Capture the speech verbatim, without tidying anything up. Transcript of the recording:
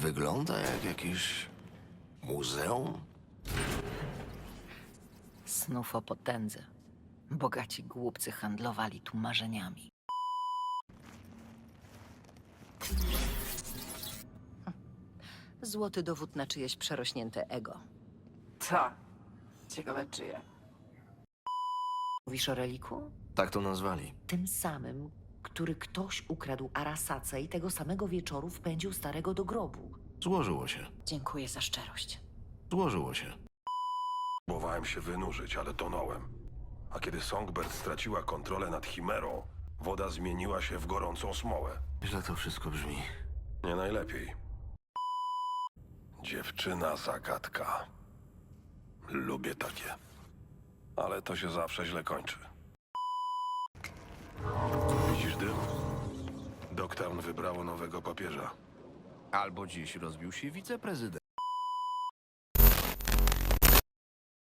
Wygląda jak jakieś muzeum. Snów o potędze. Bogaci głupcy handlowali tu marzeniami. Złoty dowód na czyjeś przerośnięte ego. Co? Ciekawe czyje. Mówisz o reliku? Tak to nazwali. Tym samym, który ktoś ukradł Arasace i tego samego wieczoru wpędził starego do grobu. Złożyło się. Dziękuję za szczerość. Złożyło się. Próbowałem się wynurzyć, ale tonąłem. A kiedy Songbird straciła kontrolę nad Chimerą, woda zmieniła się w gorącą smołę. Źle to wszystko brzmi. Nie najlepiej. Dziewczyna zagadka. Lubię takie. Ale to się zawsze źle kończy. Widzisz dym? Dogtown wybrało nowego papieża. Albo dziś rozbił się wiceprezydent.